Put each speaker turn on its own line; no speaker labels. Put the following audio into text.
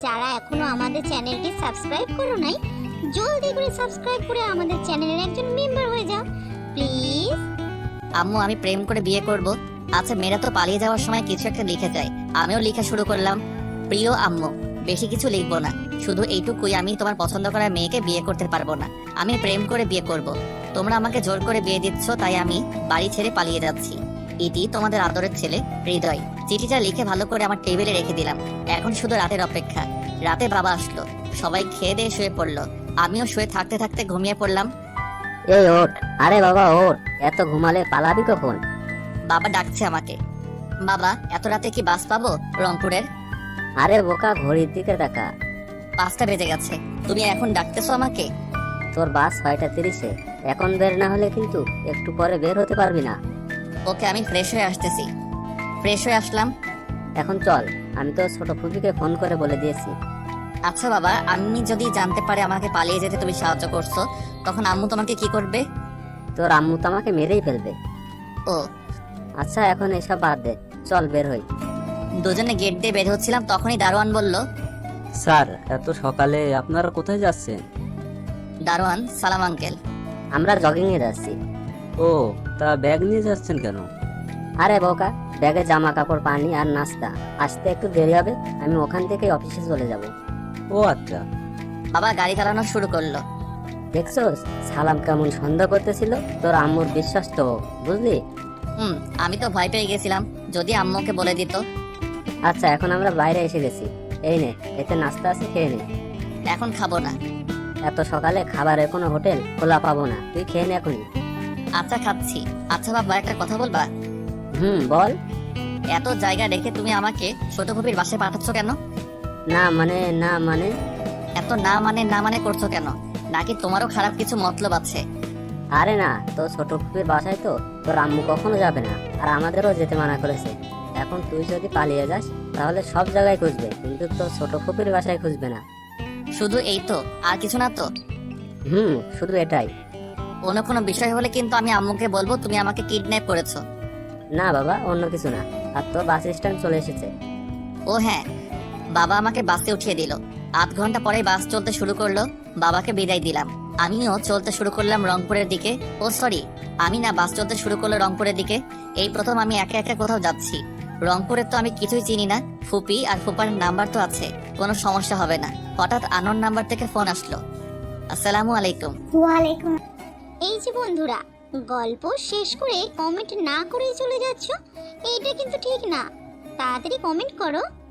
যারা এখনো আমাদের চ্যানেলটি সাবস্ক্রাইব করো নাই, জলদি করে সাবস্ক্রাইব করে আমাদের চ্যানেলের একজন মেম্বার হয়ে যাও প্লিজ।
আম্মু, আমি প্রেম করে বিয়ে করব। আচ্ছা, মেয়েরা তো পালিয়ে যাওয়ার সময় কিছু একটা লিখে যায়, আমিও লেখা শুরু করলাম। প্রিয় আম্মু, বেশি কিছু লিখবো না, শুধু এইটুকুই, আমি তোমার পছন্দ করা মেয়েকে বিয়ে করতে পারবো না। আমি প্রেম করে বিয়ে করব। তোমরা আমাকে জোর করে বিয়ে দিচ্ছ, তাই আমি বাড়ি ছেড়ে পালিয়ে যাচ্ছি। এটি তোমাদের আদরের ছেলে হৃদয়। চিঠিটা লিখে ভালো করে আমার টেবিলে রেখে দিলাম। এখন শুধু রাতের অপেক্ষা। রাতে বাবা আসলো, সবাই খেয়ে দিয়ে শুয়ে পড়লো। আমিও শুয়ে থাকতে থাকতে ঘুমিয়ে পড়লাম।
এই ওঠ, আরে বাবা ওঠ, এত ঘুমালে পালাবি কখন?
বাবা ডাকছে আমাকে। বাবা, এত রাতে কি বাস পাবো রংপুরের?
আরে বোকা, ঘড়ির দিকে তাকা।
5টা বেজে গেছে, তুমি এখন ডাকতেছো আমাকে?
তোর বাস 6:30-এ, এখন বের না হলে কিন্তু একটু পরে বের হতে পারবি না।
ওকে, আমি ফ্রেশ হয়ে আসতেছি। ফ্রেশ হয়ে আসলাম।
এখন চল, আমি তো ছোট ফুপিকে ফোন করে বলে দিয়েছি।
আচ্ছা বাবা, আমি যদি জানতে পারে আমাকে পালিয়ে যেতে তুমি সাহায্য করছো, তখন আম্মু তোমাকে কি করবে?
তোর আম্মু তো আমাকে মেরেই ফেলবে।
ও
আচ্ছা, এখন এসব বাদ দে, চল বের হই।
দুজনে গেট দিয়ে বের হচ্ছিলাম, তখনই দারোয়ান বলল।
স্যার, এত সকালে আপনারা কোথায় যাচ্ছেন?
দারোয়ান, সালাম আঙ্কেল।
আমরা জগিং এ যাচ্ছি।
ও, তা ব্যাগ নিয়ে যাচ্ছেন কেন?
আরে বোকা, ব্যাগে জামা কাপড়, পানি আর নাস্তা, আসতে একটু দেরি হবে, আমি ওখান থেকে অফিসে চলে যাব।
ও আচ্ছা।
বাবা গাড়ি চালানো শুরু করলো।
দেখছোস সালাম কেমন সন্দেহ করতেছিল? তোর আম্মুর বিশ্বাস তো, বুঝলি?
আমি তো ভয় পেয়ে গেছিলাম, যদি আম্মুকে বলে দিত।
আচ্ছা, এখন আমরা বাইরে এসে গেছি, এই নে, এতে নাস্তা আছে, খেয়ে নে।
এখন খাবো না।
এত সকালে খাবারের কোনো হোটেল খোলা পাবো না, তুই খেয়ে নে এখনই।
আচ্ছা, খাচ্ছি। আচ্ছা বাবা, একটা কথা বলবা?
বল।
এত জায়গা রেখে তুমি আমাকে ছোট কবির বাসায় পাঠাচ্ছ কেন?
না মানে
এত না মানে করছো কেন? নাকি তোমারও খারাপ কিছু মতলব আছে?
আরে না, তো ছোট ফুপির বাসায় তো তোর আম্মু কখনো যাবে না, আর আমাদেরও যেতে মানা করেছে। এখন তুই যদি পালিয়ে যাস তাহলে সব জায়গায় খুঁজবে, কিন্তু তোর ছোট ফুপির বাসায় খুঁজবে না।
শুধু এই তো, আর কিছু না তো?
শুধু এটাই।
অন্য কোনো বিষয় হলে কিন্তু আমি আম্মুকে বলবো তুমি আমাকে কিডন্যাপ করেছো।
না বাবা, অন্য কিছু না। আর তোর বাস স্ট্যান্ড চলে এসেছে।
ও হ্যাঁ, বাবা আমাকে বাসে উঠিয়ে দিল। 8 ঘন্টা পরে বাস চলতে শুরু করলো। বাবাকে বিদায় দিলাম। আমিও চলতে শুরু করলাম রংপুরের দিকে। ও সরি, আমি না, বাস চলতে শুরু করলো রংপুরের দিকে। এই প্রথম আমি একা একা কোথাও যাচ্ছি। রংপুরের তো আমি কিছুই চিনি না। ফুপি আর ফুপার নাম্বার তো আছে, কোনো সমস্যা হবে না। হঠাৎ আননোন নাম্বার থেকে ফোন আসলো। আসসালামু আলাইকুম।
ওয়ালাইকুম। এই যে বন্ধুরা, গল্প শেষ করে কমেন্ট না করেই চলে যাচ্ছ, এইটা কিন্তু ঠিক না। তাড়াতাড়ি কমেন্ট করো।